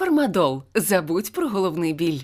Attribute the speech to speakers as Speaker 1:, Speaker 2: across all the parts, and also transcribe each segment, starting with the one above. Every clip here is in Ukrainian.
Speaker 1: Фармадол. Забудь про головний біль.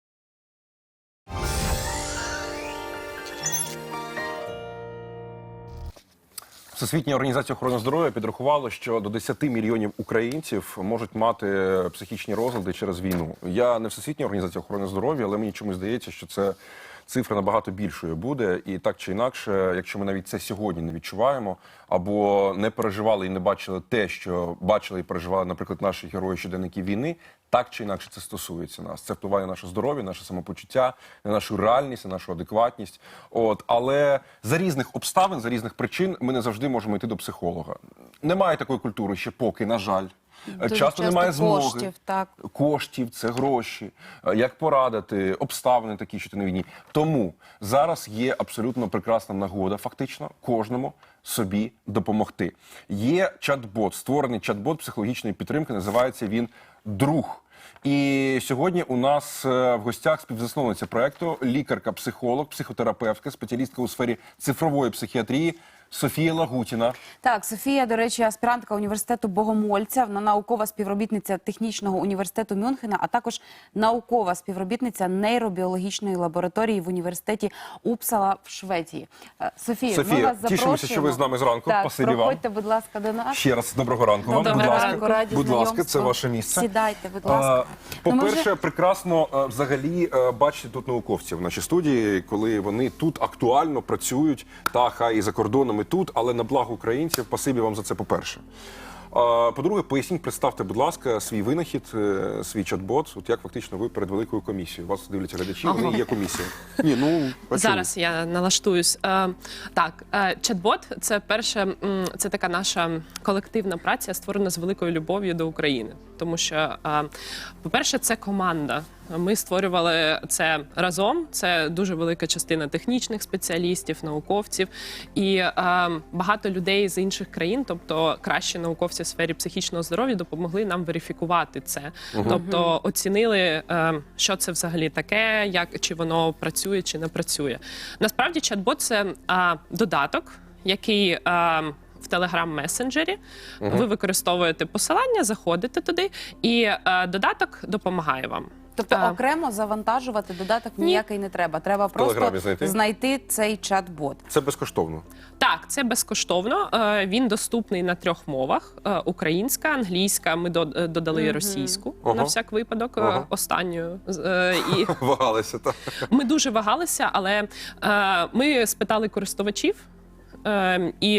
Speaker 2: Всесвітня організація охорони здоров'я підрахувала, що до 10 мільйонів українців можуть мати психічні розлади через війну. Я не Всесвітня організація охорони здоров'я, але мені чомусь здається, що це цифра набагато більшою буде. І так чи інакше, якщо ми навіть це сьогодні не відчуваємо, або не переживали і не бачили те, що бачили і переживали, наприклад, наші герої щоденників війни, так чи інакше це стосується нас. Це впливає на наше здоров'я, наше самопочуття, на нашу реальність, на нашу адекватність. Але за різних обставин, за різних причин ми не завжди можемо йти до психолога. Немає такої культури ще поки, на жаль. Часто немає змоги. Коштів, це гроші. Як порадити, обставини такі, що ти на війні. Тому зараз є абсолютно прекрасна нагода, фактично, кожному собі допомогти. Є чат-бот, створений чат-бот психологічної підтримки, називається він «Друг». І сьогодні у нас в гостях співзасновниця проєкту, лікарка-психолог, психотерапевтка, спеціалістка у сфері цифрової психіатрії Софія Лагутіна.
Speaker 3: Так, Софія, до речі, аспірантка університету Богомольця, вона наукова співробітниця Технічного університету Мюнхена, а також наукова співробітниця нейробіологічної лабораторії в університеті Упсала в Швеції. Софія, ми вас запрошуємо.
Speaker 2: Тішимося, що ви з нами зранку.
Speaker 3: Так,
Speaker 2: Спасибі вам.
Speaker 3: проходьте, будь ласка, до нас.
Speaker 2: Ще раз доброго ранку вам.
Speaker 3: Доброго ранку, раді
Speaker 2: будь ласка,
Speaker 3: знайомству.
Speaker 2: це ваше місце.
Speaker 3: Сідайте, будь ласка.
Speaker 2: По-перше, прекрасно взагалі бачити тут науковців в нашій студії, коли вони тут актуально працюють, та хай і за кордоном, і тут, але на благо українців. Спасибі вам за це, по-перше. По-друге, поясніть, представте, будь ласка, свій винахід, свій чат-бот, от як фактично ви перед великою комісією. Вас дивляться глядачі, вони є комісія.
Speaker 4: Зараз я налаштуюсь. Так, чат-бот – це така наша колективна праця, створена з великою любов'ю до України. Тому що, по-перше, це команда. Ми створювали це разом. Це дуже велика частина технічних спеціалістів, науковців. І багато людей з інших країн, тобто кращі науковці в сфері психічного здоров'я, допомогли нам верифікувати це. Тобто оцінили, що це взагалі таке, чи воно працює, чи не працює. Насправді, чат-бот – це додаток, який в Telegram-месенджері. Ви використовуєте посилання, заходите туди, і додаток допомагає вам.
Speaker 3: Тобто окремо завантажувати додаток ніякий не треба. Треба просто знайти цей чат-бот.
Speaker 2: Це безкоштовно?
Speaker 4: Так, це безкоштовно. Він доступний на 3 мовах. Українська, англійська, ми додали російську, на всяк випадок, останньою.
Speaker 2: Вагалися, так.
Speaker 4: Ми дуже вагалися, але ми спитали користувачів, і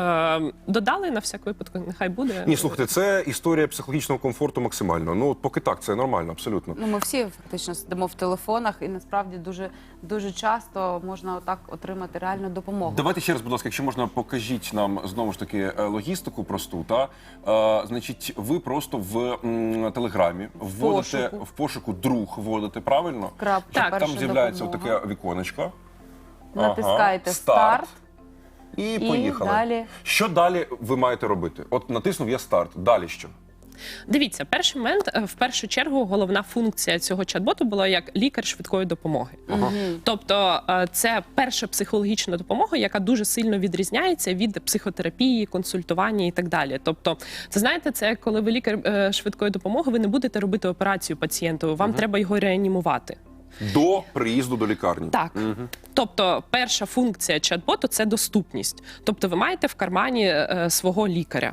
Speaker 4: додали на всяк випадок, нехай буде.
Speaker 2: Ні, слухайте, це історія психологічного комфорту максимально. Ну, поки так, це нормально, абсолютно.
Speaker 3: Ну, ми всі фактично сидимо в телефонах, і насправді дуже часто можна отак отримати реальну допомогу.
Speaker 2: Давайте ще раз, будь ласка, якщо можна, покажіть нам знову ж таки логістику просту. Значить, ви просто в Телеграмі вводите в пошуку «Друг», вводите, правильно?
Speaker 3: Так,
Speaker 2: там з'являється таке віконечко.
Speaker 3: Натискаєте «Старт».
Speaker 2: І поїхали.
Speaker 3: Далі.
Speaker 2: Що далі ви маєте робити? От натиснув я «Старт». Далі що?
Speaker 4: Дивіться, перший момент, в першу чергу, головна функція цього чат-боту була як лікар швидкої допомоги. Тобто це перша психологічна допомога, яка дуже сильно відрізняється від психотерапії, консультування і так далі. Тобто, це, знаєте, це коли ви лікар швидкої допомоги, ви не будете робити операцію пацієнту, вам треба його реанімувати.
Speaker 2: До приїзду до лікарні.
Speaker 4: Так. Тобто перша функція чат-боту – це доступність. Тобто ви маєте в кармані свого лікаря.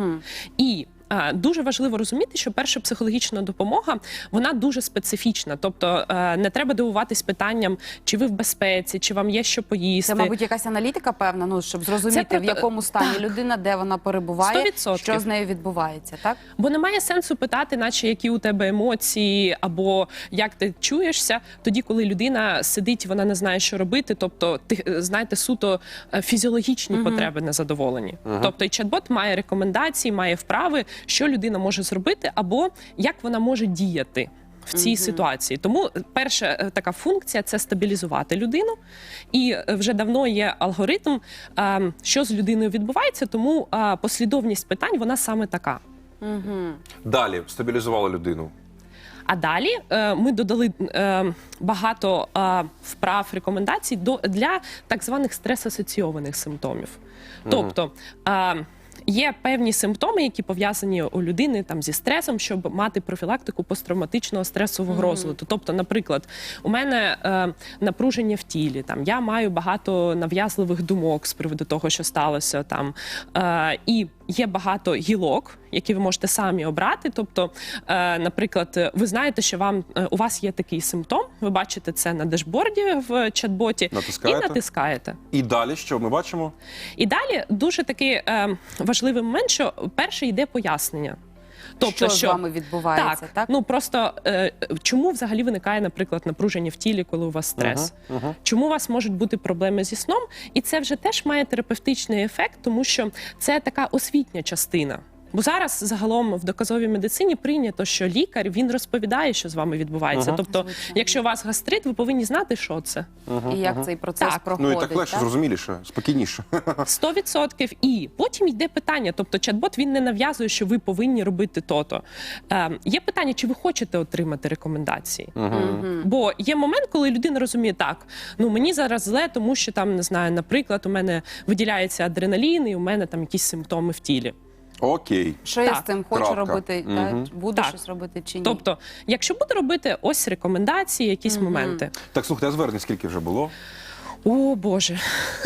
Speaker 4: І дуже важливо розуміти, що перша психологічна допомога, вона дуже специфічна. Тобто не треба дивуватись питанням, чи ви в безпеці, чи вам є що поїсти.
Speaker 3: Це, мабуть, якась аналітика певна, ну, щоб зрозуміти, в якому стані людина, де вона перебуває,
Speaker 4: 100%.
Speaker 3: що з нею відбувається, так?
Speaker 4: Бо немає сенсу питати, наче які у тебе емоції, або як ти чуєшся, тоді, коли людина сидить, вона не знає, що робити. Тобто, знаєте, суто фізіологічні потреби незадоволені. Тобто, і чат-бот має рекомендації, має вправи, що людина може зробити, або як вона може діяти в цій ситуації. Тому перша така функція – це стабілізувати людину. І вже давно є алгоритм, що з людиною відбувається, тому послідовність питань, вона саме така.
Speaker 2: Далі стабілізували людину.
Speaker 4: А далі ми додали багато вправ, рекомендацій для так званих стрес-асоційованих симптомів. Тобто, є певні симптоми, які пов'язані у людини там зі стресом, щоб мати профілактику посттравматичного стресового розладу. Тобто, наприклад, у мене напруження в тілі, там я маю багато нав'язливих думок з приводу того, що сталося там, і є багато гілок, які ви можете самі обрати. Тобто, наприклад, ви знаєте, що у вас є такий симптом, ви бачите це на дешборді в чат-боті і натискаєте.
Speaker 2: І далі що ми бачимо?
Speaker 4: І далі дуже такий важливий момент, що перше йде пояснення.
Speaker 3: Тобто, що з вами відбувається, так?
Speaker 4: Ну просто чому взагалі виникає, наприклад, напруження в тілі, коли у вас стрес? Чому у вас можуть бути проблеми зі сном? І це вже теж має терапевтичний ефект, тому що це така освітня частина. Бо зараз загалом в доказовій медицині прийнято, що лікар, він розповідає, що з вами відбувається. Тобто, якщо у вас гастрит, ви повинні знати, що це.
Speaker 3: І як цей процес проходить.
Speaker 2: Ну і так легше, зрозуміліше, спокійніше.
Speaker 4: 100%. І потім йде питання, тобто чат-бот, він не нав'язує, що ви повинні робити то-то. Є питання, чи ви хочете отримати рекомендації. Бо є момент, коли людина розуміє, так, ну мені зараз зле, тому що там, не знаю, наприклад, у мене виділяється адреналін і у мене там якісь симптоми в тілі.
Speaker 2: Окей.
Speaker 3: Що я з цим хочу робити? Буду
Speaker 4: Так.
Speaker 3: щось робити чи ні?
Speaker 4: Тобто, якщо буду робити ось рекомендації, якісь моменти.
Speaker 2: Так, слухайте, а звернень скільки вже було?
Speaker 4: О, Боже.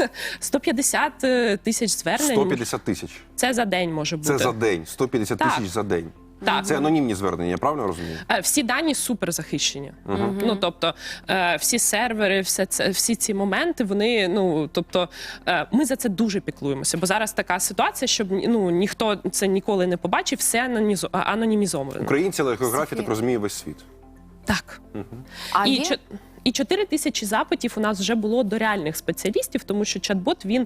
Speaker 4: 150 тисяч звернень.
Speaker 2: 150 тисяч.
Speaker 4: Це за день може бути.
Speaker 2: Це за день. 150
Speaker 4: Так.
Speaker 2: тисяч за день.
Speaker 4: Так.
Speaker 2: Це анонімні звернення, я правильно розумію?
Speaker 4: Всі дані супер захищені. Ну, тобто, всі сервери, всі ці моменти, вони, ну, тобто, ми за це дуже піклуємося. Бо зараз така ситуація, щоб ніхто це ніколи не побачив, все анонімізовано.
Speaker 2: Українці, але географія так розуміє весь світ.
Speaker 4: Так.
Speaker 3: А є?
Speaker 4: І 4 тисячі запитів у нас вже було до реальних спеціалістів, тому що чат-бот, він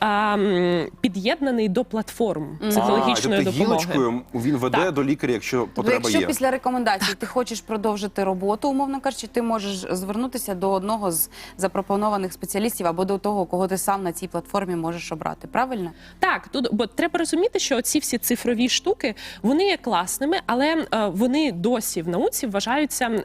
Speaker 4: під'єднаний до платформ психологічної
Speaker 2: тобто
Speaker 4: допомоги.
Speaker 2: гілочкою він веде
Speaker 4: Так.
Speaker 2: до лікаря, якщо потреба
Speaker 3: Якщо
Speaker 2: є.
Speaker 3: після рекомендацій ти хочеш продовжити роботу, умовно кажучи, ти можеш звернутися до одного з запропонованих спеціалістів або до того, кого ти сам на цій платформі можеш обрати. Правильно?
Speaker 4: Так, бо треба розуміти, що ці всі цифрові штуки, вони є класними, але вони досі в науці вважаються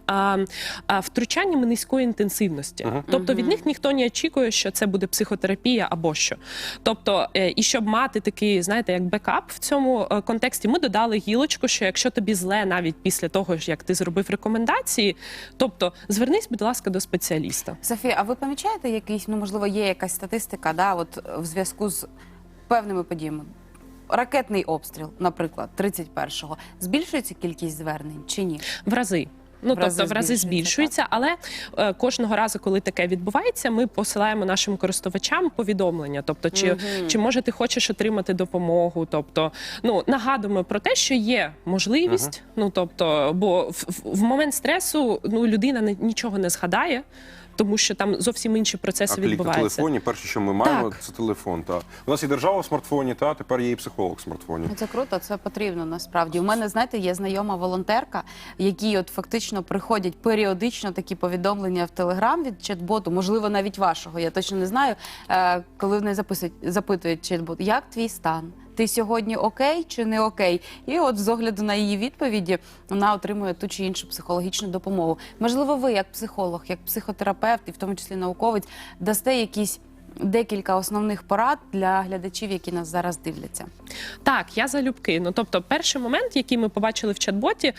Speaker 4: втручаннями низької інтенсивності. Тобто від них ніхто не очікує, що це буде психотерапія або що. Тобто, і щоб мати такий, знаєте, як бекап в цьому контексті, ми додали гілочку, що якщо тобі зле навіть після того, як ти зробив рекомендації, тобто звернись, будь ласка, до спеціаліста.
Speaker 3: Софія, а ви помічаєте якийсь, ну можливо, є якась статистика, да, от в зв'язку з певними подіями? Ракетний обстріл, наприклад, 31-го. Збільшується кількість звернень чи ні?
Speaker 4: В рази. Ну, тобто в рази збільшується, але кожного разу, коли таке відбувається, ми посилаємо нашим користувачам повідомлення. Тобто, чи може ти хочеш отримати допомогу? Тобто, ну, нагадуємо про те, що є можливість, ну, тобто, бо в момент стресу, ну, людина нічого не згадає, тому що там зовсім інші процеси відбуваються.
Speaker 2: А клік на телефоні, перше, що ми маємо,
Speaker 4: Так.
Speaker 2: це телефон. Та. У нас є держава в смартфоні, тепер є і психолог в смартфоні.
Speaker 3: Це круто, це потрібно насправді. У мене, знаєте, є знайома волонтерка, які от фактично приходять періодично такі повідомлення в Телеграм від чат-боту, можливо, навіть вашого, я точно не знаю, коли вони запитують чат-бот, як твій стан? Ти сьогодні окей чи не окей? І от з огляду на її відповіді вона отримує ту чи іншу психологічну допомогу. Можливо, ви, як психолог, як психотерапевт і в тому числі науковець, дасте якісь декілька основних порад для глядачів, які нас зараз дивляться.
Speaker 4: Так, я залюбки. Ну, тобто, перший момент, який ми побачили в чат-боті,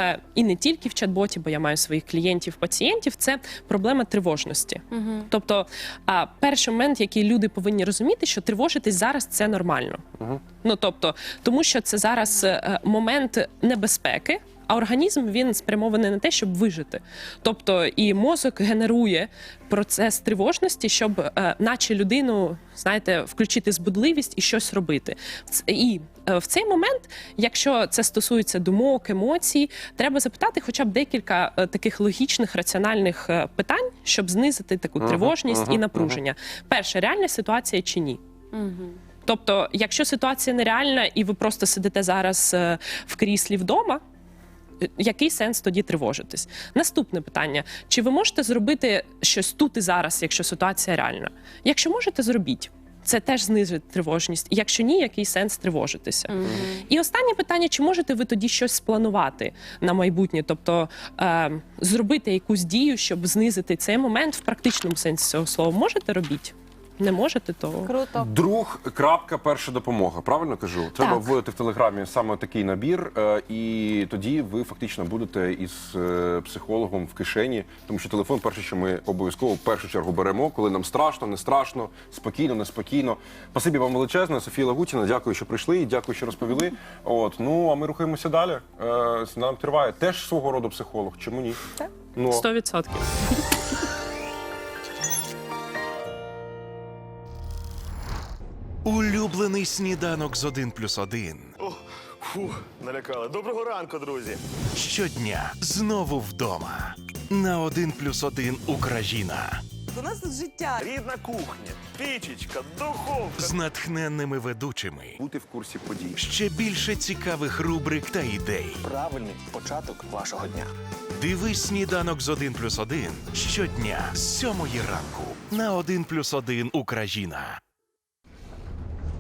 Speaker 4: і не тільки в чат-боті, бо я маю своїх клієнтів, пацієнтів, це проблема тривожності. Тобто, перший момент, який люди повинні розуміти, що тривожитись зараз – це нормально. Ну, тобто, тому що це зараз момент небезпеки, а організм, він спрямований на те, щоб вижити. Тобто і мозок генерує процес тривожності, щоб наче людину, знаєте, включити збудливість і щось робити. І в цей момент, якщо це стосується думок, емоцій, треба запитати хоча б декілька таких логічних, раціональних питань, щоб знизити таку тривожність і напруження. Перше, реальна ситуація чи ні? Тобто, якщо ситуація нереальна і ви просто сидите зараз в кріслі вдома, який сенс тоді тривожитись? Наступне питання. Чи ви можете зробити щось тут і зараз, якщо ситуація реальна? Якщо можете, зробіть. Це теж знизить тривожність. Якщо ні, який сенс тривожитися? І останнє питання, чи можете ви тоді щось спланувати на майбутнє? Тобто зробити якусь дію, щоб знизити цей момент в практичному сенсі цього слова. Можете робіть? не можете, то
Speaker 3: Круто.
Speaker 2: Друг, крапка, перша допомога. Правильно кажу? Треба
Speaker 3: Так.
Speaker 2: вводити в Телеграмі саме такий набір, і тоді ви фактично будете із психологом в кишені, тому що телефон перше, що ми обов'язково в першу чергу беремо, коли нам страшно, не страшно, спокійно, неспокійно. Спасибі вам величезне, Софія Лагутіна. Дякую, що прийшли, і дякую, що розповіли. От, ну а ми рухаємося далі. Нам триває теж свого роду психолог. Чому ні?
Speaker 3: Так.
Speaker 2: Ну,
Speaker 4: 100%.
Speaker 5: Улюблений сніданок з 1+1.
Speaker 6: Фух, налякали. Доброго ранку, друзі.
Speaker 5: Щодня знову вдома. На 1+1 Україна.
Speaker 7: У нас тут життя.
Speaker 6: Рідна кухня, пічечка, духовка.
Speaker 5: З натхненними ведучими.
Speaker 2: бути в курсі подій.
Speaker 5: Ще більше цікавих рубрик та ідей.
Speaker 6: Правильний початок вашого дня.
Speaker 5: Дивись сніданок з 1+1 щодня з 7 ранку на 1+1 Україна.